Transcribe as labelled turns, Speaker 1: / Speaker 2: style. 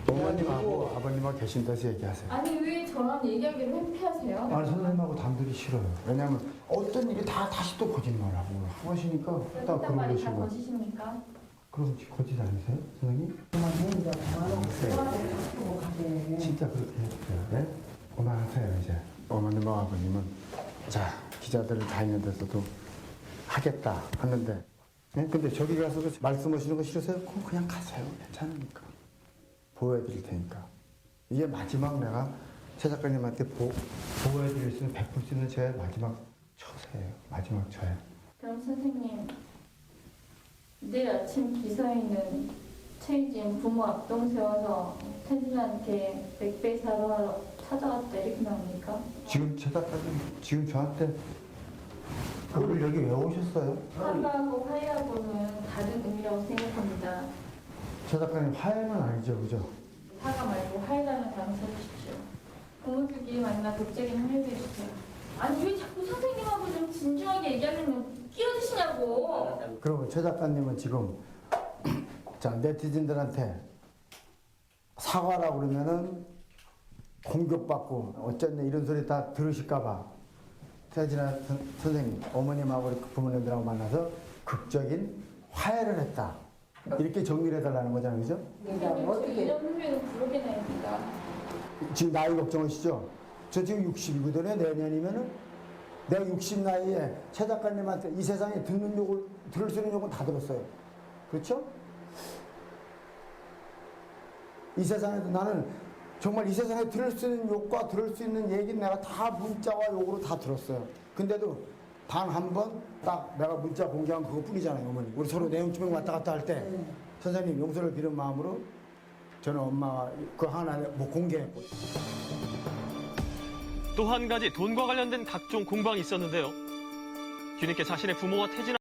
Speaker 1: 어머님하고 아버님하고 계신 데서 얘기하세요.
Speaker 2: 아니 왜 저랑 얘기하기를 회피하세요?
Speaker 1: 아니 선생님하고 단둘이 싫어요. 왜냐면 어떤 일이 다시 또 거짓말하고 하시니까 딱
Speaker 2: 그딴 말이 다
Speaker 1: 그러시고.
Speaker 2: 거짓입니까?
Speaker 1: 그럼 거짓 아니세요, 선생님? 진짜 그렇게 해주세요. 네? 그만하세요 이제. 어머님하고 아버님은 자 기자들을 다니는 데서도 하겠다 하는데 네? 근데 저기 가서 말씀하시는 거 싫으세요? 그럼 그냥 가세요. 괜찮으니까. 보호해드릴 테니까. 이게 마지막 내가 최 작가님한테 보호해드릴 수 있는, 베풀 수 있는 제 마지막 처세예요. 마지막 처예요.
Speaker 2: 그럼 선생님 내일 아침 기사에는 최희진 부모 앞동 세워서 태진한테 맥베이 사러 찾아왔다 이렇게 나옵니까?
Speaker 1: 지금 최 작가님 지금 저한테 오늘 여기 왜 오셨어요?
Speaker 2: 사과하고 화해하고는 다른 의미라고 생각합니다.
Speaker 1: 최 작가님 화해는 아니죠, 그죠?
Speaker 2: 사과 말고 화해라는 단어 써주십시오. 부모들끼리 만나 독재긴 화해해 주세요. 아니 왜 자꾸 선생님하고 좀 진중하게 얘기하려면 끼어드시냐고.
Speaker 1: 그러면 최 작가님은 지금 자 네티즌들한테 사과라고 그러면은 공격받고 어쨌든 이런 소리 다 들으실까봐 태진아 선생님 어머님하고 부모님들하고 만나서 극적인 화해를 했다 이렇게 정리를 해달라는 거잖아요, 그죠?
Speaker 2: 선생님 저 2년 후에는 부르게 나옵니다.
Speaker 1: 지금 나이 걱정하시죠? 저 지금 60이거든요. 내년이면은 내가 60 나이에 최 작가님한테 이 세상에 들을 수 있는 욕은 다 들었어요. 그렇죠? 이 세상에도 나는 정말 이 세상에 들을 수 있는 욕과 들을 수 있는 얘기는 내가 다 문자와 욕으로 다 들었어요. 근데도 단 한 번 딱 내가 문자 공개한 그것뿐이잖아요, 어머니. 우리 서로 내용증명 왔다 갔다 할 때 선생님 용서를 빌은 마음으로 저는 엄마 그 하나 뭐 공개했고.
Speaker 3: 또 한 가지 돈과 관련된 각종 공방이 있었는데요. 뒤늦게 자신의 부모와 태진